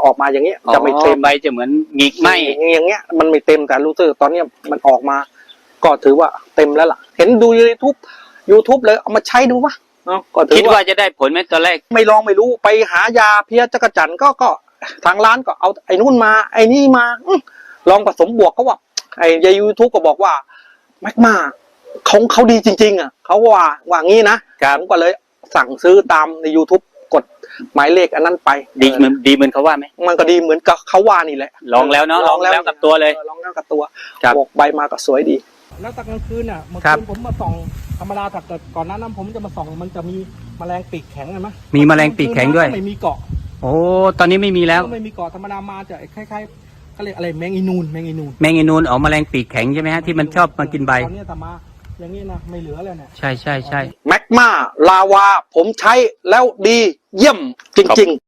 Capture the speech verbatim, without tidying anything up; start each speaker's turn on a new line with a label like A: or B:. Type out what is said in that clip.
A: ออกมาอย่างเงี้ยจะไม่เต็ม
B: ใบจะเหมือนหงิกไหม
A: อย่างเงี้ยมันไม่เต็มแต่รู้สึกตอนเนี้ยมันออกมาก็ถือว่าเต็มแล้วล่ะเห็นดูยูทูบยูทูบเลยเอามาใช้ดูวะเนาะก็ถื
B: คิด
A: อ
B: ว่า
A: ว่า
B: จะได้ผลไหมตอนแรก
A: ไม่ลองไม่รู้ไปหายาเพี้ยจักรจันทร์ก็ก็ทางร้านก็เอาไอ้นู่นมาไอ้นี่มาอื้อลองผสมบวกก็ว่าไอ้ยยูทูบก็บอกว่าแมกมาเขาเขาดีจริงๆอ่ะเขาว่าว่างี้นะผมก็เลยสั่งซื้อตามใน YouTube กดหมายเลขอันนั้นไป
B: ดีเหมือนดีเหมือนเขาว่าไหม
A: มันก็ดีเหมือนกับเขาว่านี่แหละ
B: ลองแล้วเนาะลองแล้วกับตัวเลย
A: ลองแล้วกับตัว
B: ครับ
A: บอกใบมาก็สวยดี
C: แล้วตอนกลางคืนอ่ะเมื่อ
B: ครั
C: คื
B: บ
C: นผมมาส่องธรรมดาแต่เกิดก่อนหน้านั้นผมจะมาส่องมันจะมีแมลงปีกแข็งเห็นไหม
B: มีแมลงปีกแข็งด้วย
C: ไม่มีเกาะ
B: โอ้ตอนนี้ไม่มีแล้ว
C: ไม่มีเกาะธรรมดามาจะคล้ายๆเขาเรียกอะไรแมงอีนูนแมงอีนูน
B: แมงอีนูนออกแมลงปีกแข็งใช่ไหมฮะที่มันชอบมากินใบ
C: ตอนนี้แต่มาอย่างนี้นะไม่เหลือเลยเนี่ย
B: ใช่ใช่ใช่
A: แมกมาลาวาผมใช้แล้วดีเยี่ยมจริงๆ